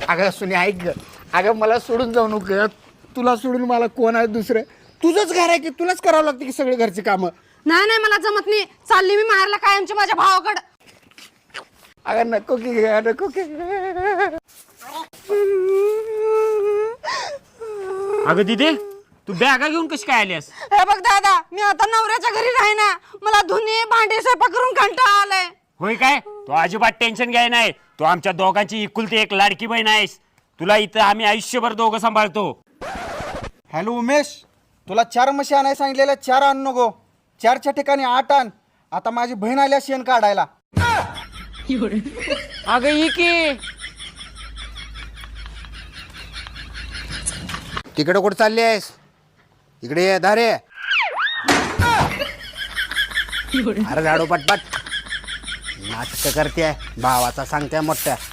अगं सुने ऐक ग. अगं मला सोडून जाऊ नको. तुला सोडून मला कोण आहे दुसरं? तुझंच घर आहे की तुलाच करावं लागतं की सगळे घरची कामं. नाही नाही मला जमत नाही. चालली मी माहेरला कायमची माझ्या भावाकडं. अगं नको की नको की. अगं दिदे तू बॅगा घेऊन कशी काय आलीस? हे बघ दादा, मी आता नवऱ्याच्या घरी राही ना. मला धुनी भांडी स्वयंपाक करून कंटाळा आलाय. होय काय? तू अजिबात टेन्शन घ्याय नाही. तू आमच्या दोघांची इकुलती एक लाडकी बहीण आहेस. तुला इथं आम्ही आयुष्यभर दोघं सांभाळतो. हॅलो उमेश, तुला 4 म्हशी आणायला सांगितलेल्या 4 आण नको. 4च्या ठिकाणी 8 आण. आता माझी बहीण आल्या शेण काढायला. अगं ये की. तिकडे कुठं चालली आहेस? इकडे ये धारे. अरे झाडू पटपट नाटक करते भावाचा सांगते मोठ्या.